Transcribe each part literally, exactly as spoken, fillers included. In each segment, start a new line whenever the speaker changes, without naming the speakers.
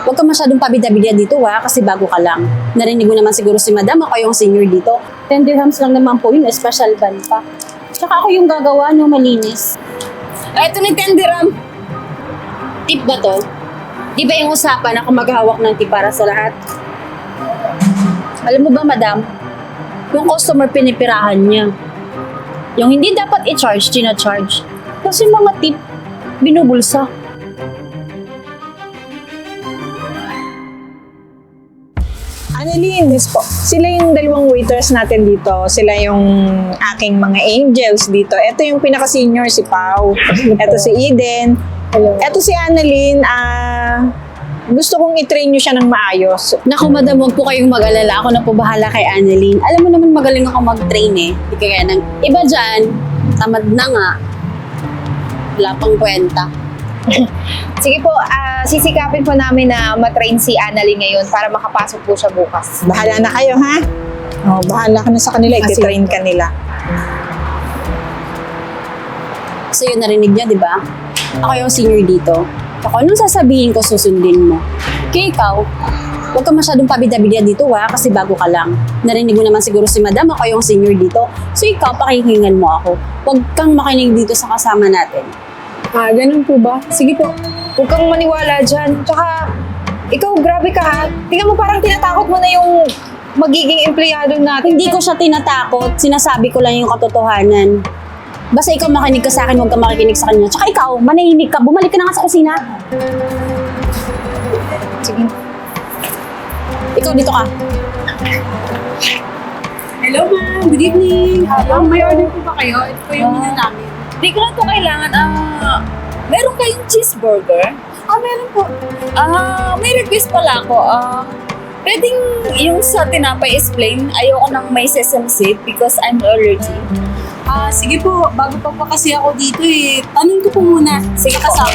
Huwag ka masyadong pabida-bida dito ha, kasi bago ka lang. Narinig mo naman siguro si madam, ako yung senior dito. ten dirhams lang naman po yun, special ban pa. Tsaka ako yung gagawa, no, malinis. Eto ni ten dirham. Tip ba to? Di ba yung usapan ako maghahawak ng tip para sa lahat? Alam mo ba, madam? Yung customer pinipirahan niya. Yung hindi dapat i-charge, tina-charge. Kasi mga tip, binubulsa.
Annalyn, yes po. Sila yung dalawang waiters natin dito. Sila yung aking mga angels dito. Ito yung pinaka-senior, si Pau. Ito si Eden.
Hello.
Ito si Annalyn. Ah, gusto kong i-train nyo siya ng maayos.
Naku, madam, huwag po kayong mag-alala. Ako na po bahala kay Annalyn. Alam mo naman magaling ako mag-train eh. Di kaya ng iba dyan, tamad na nga. Wala pang kwenta.
Sige po, ah, sisikapin po namin na matrain si Annalyn ngayon para makapasok po siya bukas.
Bahala na kayo, ha? Oh, bahala ka na sa kanila.
Ah, sige.
I-train ka nila.
So yun, narinig niya, di ba? Ako yung senior dito. Ako, anong sasabihin ko, susundin mo. Kaya ikaw, huwag ka masyadong pabida-bida dito ha, kasi bago ka lang. Narinig mo naman siguro si madam, ako yung senior dito. So ikaw, pakihingan mo ako. Huwag kang makinig dito sa kasama natin.
Ah, ganun po ba? Sige po. Huwag kang maniwala dyan. Tsaka, ikaw, grabe ka ha. Tingnan mo parang tinatakot mo na yung magiging empleyado natin.
Hindi ko siya tinatakot, sinasabi ko lang yung katotohanan. Basta ikaw makinig ka sa akin, huwag ka makikinig sa kanya. Tsaka ikaw, manahimik ka, bumalik ka na nga sa kusina.
Sige.
Ikaw dito ka.
Hello ma'am, good evening. Uh, may order po ba kayo? Ito po yung menu namin. Hindi ko na ito kailangan. Ah, meron kayong cheeseburger? Ah, meron po. Ah, may request pala ako. Ah, pwedeng yung sa tinapay is plain. Ayoko nang may sesame seed because I'm allergic. Ah, sige po. Bago pa po kasi ako dito eh. Tanong ko po muna. Sige kasama.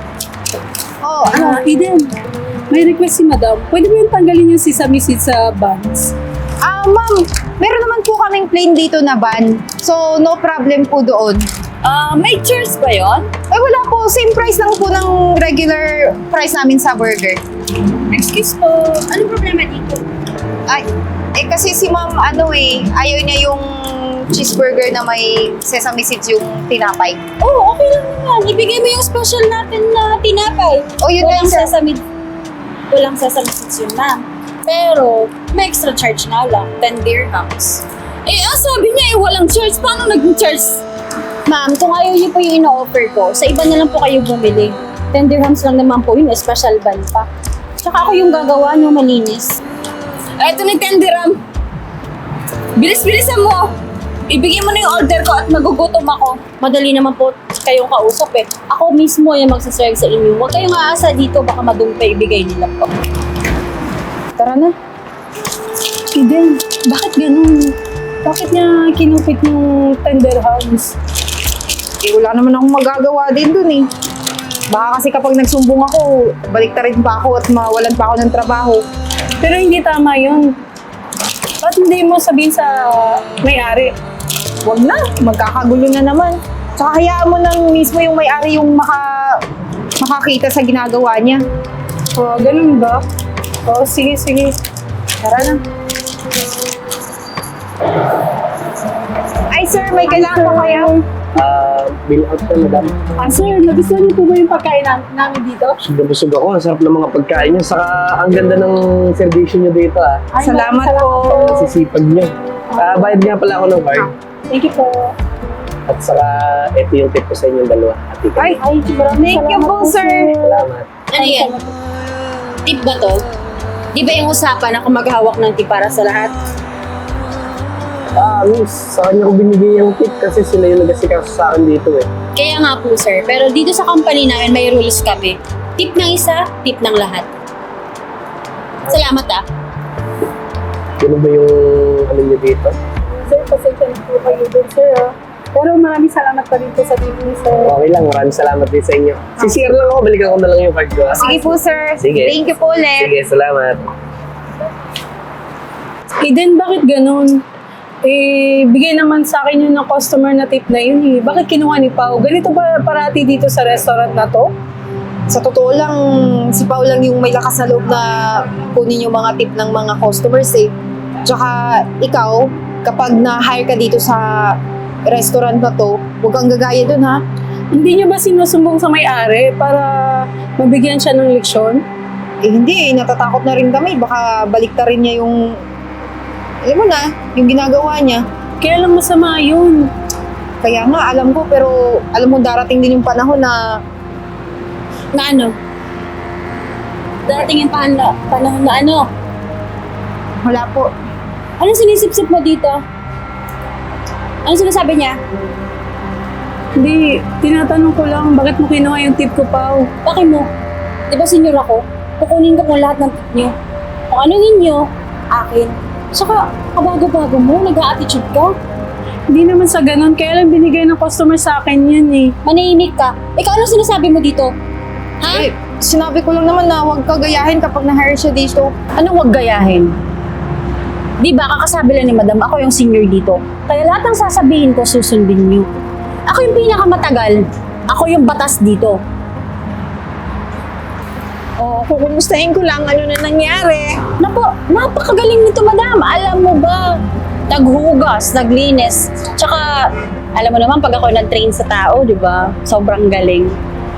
Oh,
Ah, Eden, may request si madam. Pwede mo yung tanggalin yung sesame seed sa buns?
ah, ma'am, meron naman po kaming plain dito na ban. So, no problem po doon.
Ah, may cheers ba yon?
Ay, wala po. Same price lang po ng regular price namin sa burger.
Excuse po. Ano problema dito?
Ay, eh kasi si ma'am, ano eh, ayaw niya yung cheeseburger na may sesame seeds yung tinapay.
Oo, okay lang naman. Ibigay mo yung special natin na tinapay.
O yun
Walang
lang sa...
sesame, walang sesame seeds yun, ma'am. Pero, may extra charge nga lang, ten dirhams. Eh, ang sabi niya eh, walang charge. Paano naging charge? Ma'am, kung ayaw niyo po yung ino-offer ko, sa iba na lang po kayo bumili. ten dirhams lang naman po yun, special ban pa. Tsaka ako yung gagawa nyo malinis. Eto ni ten dirham. Bilis-bilisan mo. Ibigay mo na yung order ko at magugutom ako. Madali naman po kayong kausap eh. Ako mismo yung magsaserve sa inyo. Huwag kayong aasa dito, baka madumpay ibigay nila po.
Tara na.
Eden, bakit ganun? Bakit niya kinupit yung ten dirhams?
Eh, wala naman akong magagawa din dun eh. Baka kasi kapag nagsumbong ako, baliktarin pa ako at mawalan pa ako ng trabaho.
Pero hindi tama yun. Ba't hindi mo sabihin sa may-ari?
Huwag na, magkakagulo na naman. Tsaka hayaan mo nang mismo yung may-ari yung maka, makakita sa ginagawa niya.
Oh, ganun ba? Oh, sige, sige.
Tara na. Ay sir, may kailangan pa kayo?
Ah, bill out na, madam.
Ah, sir, nagustuhan niyo po ba yung pagkain nam- namin dito?
Busog na busog ako. Ang sarap ng mga pagkain niyo. Saka ang ganda ng servisyo niyo dito, ah.
Ay,
Salamat
maraming
po.
Ang sisipag niyo. Ah, bayad nga pala ako ng card.
Thank you po.
At saka, ito yung tip ko sa inyong dalawa. Ati ka.
Ay,
Ay, maraming
thank you
salamat
po sir.
Salamat.
Ano yan? Tip ba to? Di ba yung usapan ako maghahawak ng tip para sa lahat?
Ah, miss, sa kanya ko binigay yung tip kasi sila yung nagasikaso sa akin dito, eh.
Kaya nga po sir, pero dito sa company namin may rules kami. Tip ng isa, tip ng lahat. Salamat ah.
Ganun ba yung ano niyo dito?
Sir, pasensya na po kayo din, sir. ah. Pero maraming salamat pa rin po sa tip niyo, sir.
Okay lang, maraming salamat din sa inyo. Sisir lang ako, balikan ko na lang yung card ko, ah.
Sige po sir.
Sige.
Thank you po ulit.
Sige, salamat.
Eden, bakit ganun? Eh, bigay naman sa akin yun ng customer na tip na yun eh. Bakit kinuha ni Pao? Ganito ba parati dito sa restaurant na to?
sa totoo lang, si Pao lang yung may lakas na loob na kunin yung mga tip ng mga customers eh. Tsaka ikaw, kapag na-hire ka dito sa restaurant na to, huwag kang gagaya dun ha.
Hindi niya ba sinusumbong sa may-ari para mabigyan siya ng leksyon?
Eh hindi eh, natatakot na rin kami. Baka baliktarin niya yung, alam mo na, yung ginagawa niya.
Kaya lang masama yun.
Kaya nga, alam ko, pero alam mo, darating din yung panahon na
Na ano? Darating yung pan- panahon na ano?
wala po.
Anong sinisip-sip mo dito? Ano sinasabi niya?
Hindi, tinatanong ko lang, bakit mo kinuha yung tip ko, Pao?
Bakit mo? Di ba senior ako? Kukunin ko kung lahat ng tip niyo. Kung ano ninyo, akin. Saka, kabago-bago mo, nag-a-attitude ka.
Hindi naman sa ganun, kaya lang binigay ng customer sa akin yun eh.
Manahimik ka. Ikaw, ano sinasabi mo dito? Ha?
Eh, sinabi ko lang naman na huwag ka gayahin kapag na-hire siya dito.
Anong wag gayahin? Di ba, kakasabi lang ni madam, ako yung senior dito. Kaya lahat ng sasabihin ko, susundin niyo. Ako yung pinakamatagal. Ako yung batas dito.
O, kukumustahin ko lang ano na nangyari.
Napo, napakagaling nito, madam. Alam mo ba, naghugas, naglinis. Tsaka, alam mo naman, pag ako nag-train sa tao, di ba? Sobrang galing.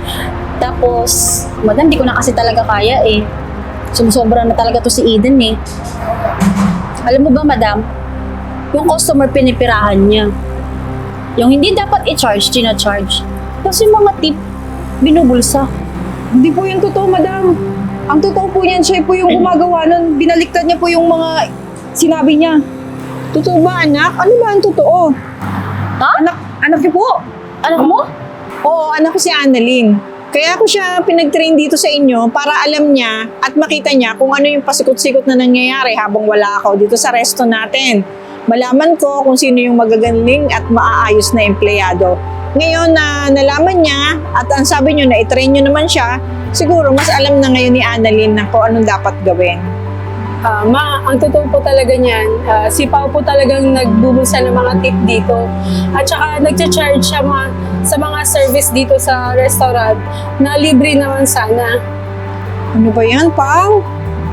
Tapos, madam, di ko na kasi talaga kaya eh. Sumusobra na talaga to si Eden eh. Alam mo ba, madam, yung customer pinipirahan niya. Yung hindi dapat i-charge, tina-charge. Kasi mga tip, binubulsa.
Hindi po yung totoo, madam. Ang totoo po niyan, siya po yung gumagawa nun. Binaliktad niya po yung mga sinabi niya.
Totoo ba, anak? Ano ba ang totoo?
Ha?
Anak, anak niyo po.
Anak mo?
Oo, anak ko si Annalyn. Kaya ako siya pinag-train dito sa inyo para alam niya at makita niya kung ano yung pasikot-sikot na nangyayari habang wala ako dito sa resto natin. Malaman ko kung sino yung magagaling at maaayos na empleyado. Ngayon na nalaman niya at ang sabi niyo na i-train niyo naman siya, siguro mas alam na ngayon ni Annalyn na kung anong dapat gawin.
Ah, ma, ang totoo po talaga niyan, ah, si Pao po talagang nagbubulsa ng mga tip dito. At saka nagcha-charge siya mga, sa mga service dito sa restaurant na libre naman sana.
Ano ba yan, Pao?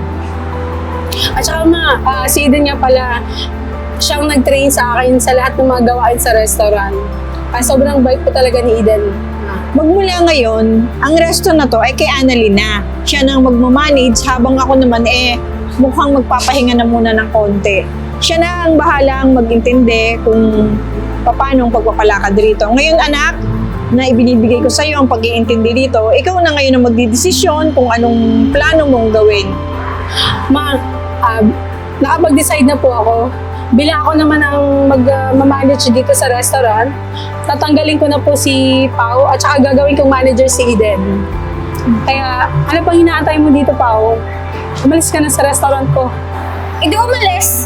At saka ma, ah, si Eden nga pala, siyang nag-train sa akin sa lahat ng mga gawain sa restaurant. Kaya sobrang bait po talaga ni Eden.
Magmula ngayon, ang resto na to ay kay Annalyn na. Siya nang magmamanage habang ako naman eh mukhang magpapahinga na muna ng konti. Siya na ang bahalang mag-intindi kung paano ang pagpapalakad rito. Ngayon anak, na ibinibigay ko sa iyo ang pag-iintindi dito, ikaw na ngayon ang magdidesisyon kung anong plano mong gawin.
Ma, ah, nakapag-decide na po ako. Bilang ako naman ang mag-manage dito sa restaurant, tatanggalin ko na po si Pao at saka gagawin kong manager si Eden. Kaya, ano pang hinaantay mo dito, Pao? Umalis ka na sa restaurant ko.
Hindi umalis.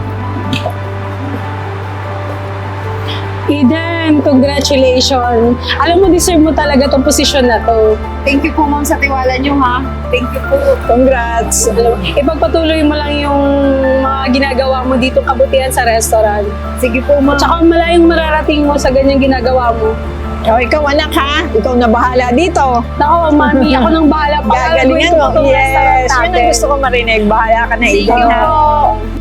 Eden, congratulations. Alam mo, deserve mo talaga tong posisyon na to.
Thank you po, ma'am, sa tiwala niyo, ha? Thank you po.
Congrats!
Alam mo, ipagpatuloy mo lang yung mga ginagawa mo dito kabutihan sa restaurant.
Sige po, ma'am.
At saka malayong mararating mo sa ganyang ginagawa mo.
O ikaw anak ha, ikaw na bahala dito.
Nako, mami, ako nang bahala.
Gagalingan mo.
Pagalaguin ko tong restaurant
Yes, yun ang
natin.
gusto ko marinig. Bahala ka na,
Thank
ikaw
you
na.
po.